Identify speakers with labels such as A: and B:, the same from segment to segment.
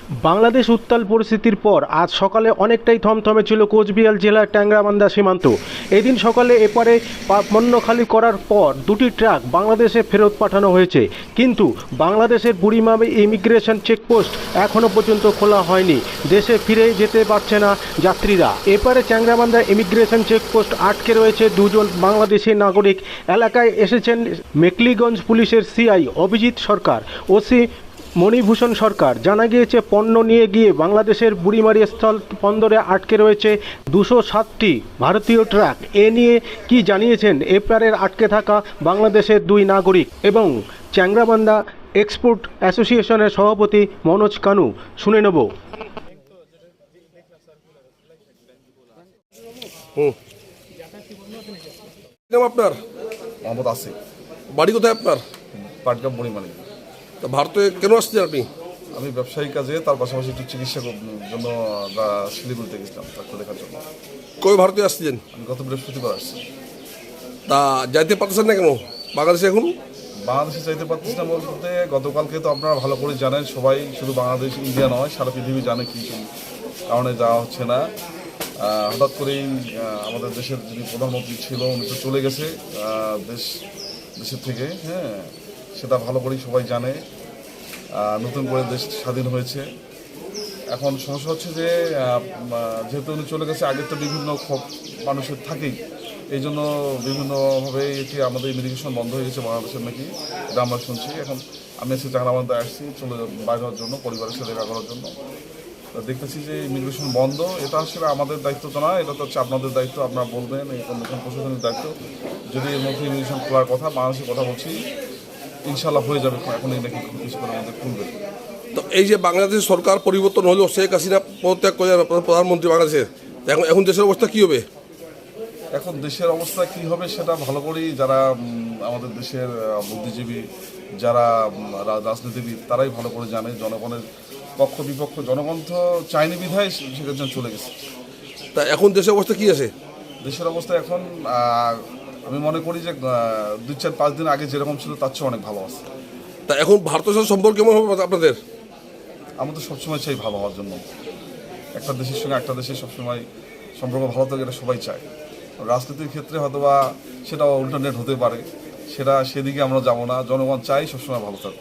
A: বাংলাদেশ উত্তাল পরিস্থিতির পর আজ সকালে অনেকটাই থমথমে ছিল কোচবিহার জেলার ট্যাংরাবান্ধা সীমান্ত। এদিন সকালে এপারে পণ্য খালি করার পর দুটি ট্রাক বাংলাদেশে ফেরত পাঠানো হয়েছে, কিন্তু বাংলাদেশের বুড়িমারি ইমিগ্রেশন চেকপোস্ট এখনও পর্যন্ত খোলা হয়নি। দেশে ফিরে যেতে পারছে না যাত্রীরা। এপারে ট্যাংরাবান্ধা ইমিগ্রেশন চেকপোস্ট আটকে রয়েছে দুজন বাংলাদেশি নাগরিক। এলাকায় এসেছেন মেকলিগঞ্জ পুলিশের সিআই অভিজিৎ সরকার, ওসি মণিভূষণ সরকার। জানা গিয়েছে পণ্য নিয়ে গিয়ে বাংলাদেশের বুড়িমারি স্থল বন্দরে আটকে রয়েছে 207টি ভারতীয় ট্রাক। এ নিয়ে কি জানিয়েছেন এপারের আটকে থাকা বাংলাদেশের দুই নাগরিক এবং চ্যাংরাবান্ধা এক্সপোর্ট অ্যাসোসিয়েশনের সভাপতি মনোজ কানু। শুনে নেব।
B: আপনার
C: মোহাম্মদ আসিফ,
B: বাড়ি কোথায় আপনার?
C: পাটগ্রাম বুড়িমারি।
B: তা ভারতে কেন আসছেন আপনি?
C: আমি ব্যবসায়িক কাজে, তার পাশাপাশি একটু চিকিৎসা জন্য শিলিগুড়িতে গেছিলাম ডাক্তার দেখার জন্য।
B: কবে ভারতে আসছেন?
C: আমি গত বৃহস্পতিবার আসছি।
B: তা যাইতে পারতেছেন না কেন বাংলাদেশে এখন?
C: বাংলাদেশে চাইতে পারতেছি না বলতে, গতকালকে তো আপনারা ভালো করে জানেন, সবাই শুধু বাংলাদেশ ইন্ডিয়া নয় সারা পৃথিবী জানে কি কারণে যাওয়া হচ্ছে না। হঠাৎ করেই আমাদের দেশের যিনি প্রধানমন্ত্রী ছিল উনি তো চলে গেছে দেশের থেকে, হ্যাঁ, সেটা ভালো করেই সবাই জানে। নতুন করে দেশ স্বাধীন হয়েছে। এখন সমস্যা হচ্ছে যে যেহেতু উনি চলে গেছে, আগে তো বিভিন্ন ক্ষোভ মানুষের থাকেই, এই জন্য বিভিন্নভাবে এটি আমাদের ইমিগ্রেশন বন্ধ হয়ে গেছে বাংলাদেশের নাকি, এটা আমরা শুনছি। এখন আমি এসে চ্যাংরাবান্ধায় আসছি চলে বাইরে হওয়ার জন্য, পরিবারের সাথে দেখা করার জন্য। দেখতেছি যে ইমিগ্রেশন বন্ধ। এটা আসলে আমাদের দায়িত্ব তো না, এটা তো হচ্ছে আপনাদের দায়িত্ব। আপনারা বলবেন, এই নতুন প্রশাসনের দায়িত্ব। যদি এর মধ্যে ইমিগ্রেশন খোলার কথা, বাংলাদেশের কথা বলছি, ইনশাল্লাহ হয়ে যাবে। এখন এই নাকি কিছুক্ষণের মধ্যে খুলবে।
B: তো এই যে বাংলাদেশের সরকার পরিবর্তন হলো, শেখ হাসিনা পদত্যাগ করে প্রধানমন্ত্রী বাংলাদেশের, এখন এখন দেশের অবস্থা কী হবে?
C: এখন দেশের অবস্থা কি হবে সেটা ভালো করেই যারা আমাদের দেশের বুদ্ধিজীবী, যারা রাজনীতিবিদ, তারাই ভালো করে জানে। জনগণের পক্ষ বিপক্ষ, জনগণ তো চাইনি বিধায় সেখানে চলে গেছে।
B: তা এখন দেশের অবস্থা কী আছে?
C: দেশের অবস্থা এখন আমি মনে করি যে 2-4-5 দিন আগে যেরকম ছিল তার চেয়ে অনেক ভালো আছে।
B: তা এখন ভারতের সাথে সম্পর্ক কেমন হবে আপনাদের?
C: আমরা তো সবসময় চাই ভালো হওয়ার জন্য। একটা দেশের সঙ্গে একটা দেশের সবসময় সম্পর্ক ভালো থাকে, এটা সবাই চায়। রাজনীতির ক্ষেত্রে হয়তো বা সেটা অল্টারনেট হতে পারে, সেটা সেদিকে আমরা যাব না। জনগণ চাই সবসময় ভালো থাকুক।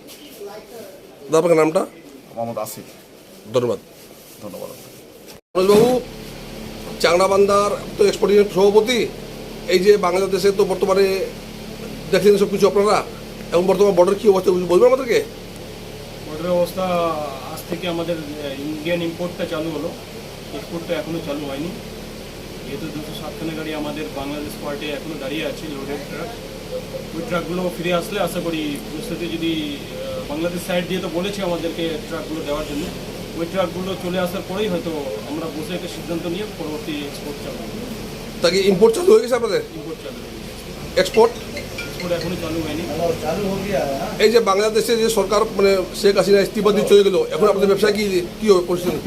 B: আপনার নামটা?
C: মোহাম্মদ আসিফ।
B: ধন্যবাদ।
C: ধন্যবাদ।
B: মনোজবাবু, চ্যাংরাবান্ধার তো এক্সপোর্টের সভাপতি। এই যে বাংলাদেশে তো বর্তমানে দেখছেন সব কিছু আপনারা, এখন বর্তমান বর্ডার কী অবস্থা বলবেন আমাদেরকে?
D: বর্ডারের অবস্থা আজ থেকে আমাদের ইন্ডিয়ান ইম্পোর্টটা চালু হলো, এক্সপোর্টটা এখনও চালু হয়নি। যেহেতু 207খানা গাড়ি আমাদের বাংলাদেশ পার্টে এখনও দাঁড়িয়ে আছে, লোডেড ট্রাক। ওই ট্রাকগুলো ফিরে আসলে আশা করি বুঝতে, যদি বাংলাদেশ সাইড দিয়ে তো বলেছে আমাদেরকে ট্রাকগুলো দেওয়ার জন্য, ওই ট্রাকগুলো চলে আসার পরেই হয়তো আমরা বসে একটা সিদ্ধান্ত নিয়ে পরবর্তী এক্সপোর্ট চালু হবে।
B: তাকে ইম্পোর্ট চালু হয়ে গেছে আপনাদের?
D: ইম্পোর্ট চালু হয়ে গেছে,
B: এক্সপোর্ট
D: এখনও চালু হয়নি।
B: এই যে বাংলাদেশে যে সরকার মানে শেখ হাসিনা ইস্তিফা দিয়ে চলে গেল, এখন আপনাদের ব্যবসা কী হবে পরিস্থিতি?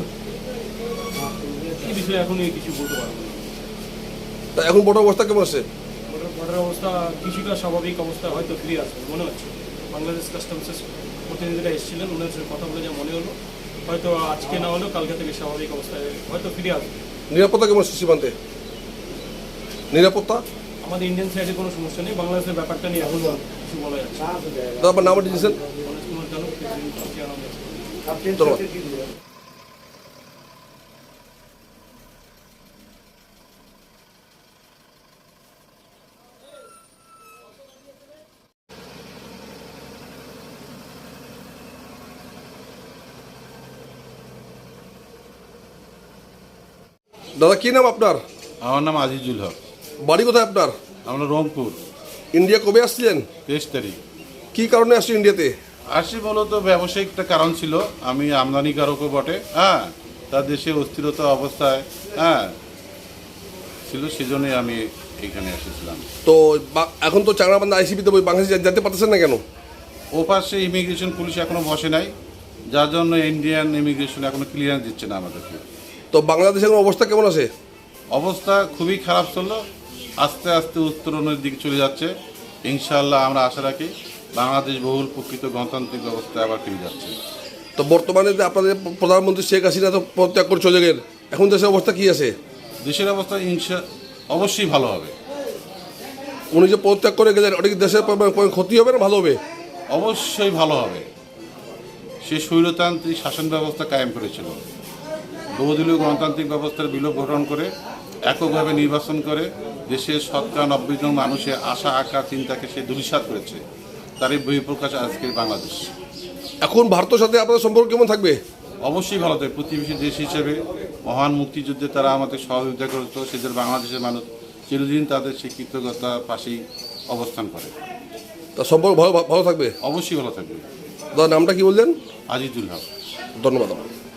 D: এই বিষয়ে এখনই কিছু বলতে পারবো না।
B: তা এখন বড় অবস্থা কেমন আছে?
D: বর্ডারের অবস্থা কিছুটা স্বাভাবিক অবস্থা হয়তো ফিরে আসবে মনে হচ্ছে। বাংলাদেশ কাস্টমসের প্রতিনিধিরা এসেছিলেন, ওনার সাথে কথা বলে যা মনে হলো, হয়তো আজকে না হলেও কালকে থেকে স্বাভাবিক অবস্থায় হয়তো ফিরে আসবে।
B: নিরাপত্তা কেমন আছে সীমান্তে? নিরাপত্তা
D: আমাদের ইন্ডিয়ান সাইডে কোনো সমস্যা নেই, বাংলাদেশের ব্যাপারটা নিয়ে এখন কিছু বলা যাচ্ছে।
B: আপনার নাম দিয়েছেন? ধন্যবাদ। দাদা, কী নাম আপনার?
E: আমার নাম আজিজুল হক।
B: বাড়ি কোথায় আপনার?
E: আমরা রংপুর।
B: ইন্ডিয়া কবে আসছিলেন?
E: 23 তারিখ।
B: কী কারণে আসছি ইন্ডিয়াতে?
E: আসি মূলত ব্যবসায়িক একটা কারণ ছিল, আমি আমদানিকারকও বটে, হ্যাঁ, তার দেশে অস্থিরতা অবস্থায়, হ্যাঁ, ছিল, সেজন্যই আমি এখানে এসেছিলাম।
B: তো এখন তো চ্যাংরাবান্ধা আইসিপিতে বাংলাদেশে যেতে পারতেছেন না কেন?
E: ও পাশে ইমিগ্রেশন পুলিশ এখনও বসে নাই, যার জন্য ইন্ডিয়ান ইমিগ্রেশন এখনও ক্লিয়ারেন্স দিচ্ছে না আমাদেরকে।
B: তো বাংলাদেশের এখন অবস্থা কেমন আছে?
E: অবস্থা খুবই খারাপ চললো, আস্তে আস্তে উত্তরণের দিকে চলে যাচ্ছে। ইনশাআল্লাহ আমরা আশা রাখি বাংলাদেশ বহুল প্রকৃত গণতান্ত্রিক ব্যবস্থায় আবার ফিরে যাচ্ছে।
B: তো বর্তমানে যে আপনাদের প্রধানমন্ত্রী শেখ হাসিনা তো পদত্যাগ করে চলে গেলেন, এখন দেশের অবস্থা কি আছে?
E: দেশের অবস্থা অবশ্যই ভালো হবে।
B: উনি যে পদত্যাগ করে গেলেন, ওটা কি দেশের ক্ষতি হবে না ভালো হবে?
E: অবশ্যই ভালো হবে। সে স্বৈরতান্ত্রিক শাসন ব্যবস্থা কায়েম করেছিল, বহুদলীয় গণতান্ত্রিক ব্যবস্থার বিলোপ ঘটন করে এককভাবে নির্বাচন করে দেশের শতকরা 90 জন মানুষের আশা আকাঙ্ক্ষা চিন্তাকে সে ধূলিসাৎ করেছে। তারই বহিঃপ্রকাশ আজকের বাংলাদেশ।
B: এখন ভারতের সাথে আপনাদের সম্পর্ক কেমন থাকবে?
E: অবশ্যই ভালো থাকে। প্রতিবেশী দেশ হিসেবে মহান মুক্তিযুদ্ধে তারা আমাদের সহযোগিতা করতো, সেদের বাংলাদেশের মানুষ চিরদিন তাদের সেই কৃতজ্ঞতার পাশেই অবস্থান করে।
B: তা সম্পর্ক ভালো ভালো থাকবে?
E: অবশ্যই ভালো থাকবে।
B: দাদা নামটা কি বললেন?
E: আজিজুল হক।
B: ধন্যবাদ।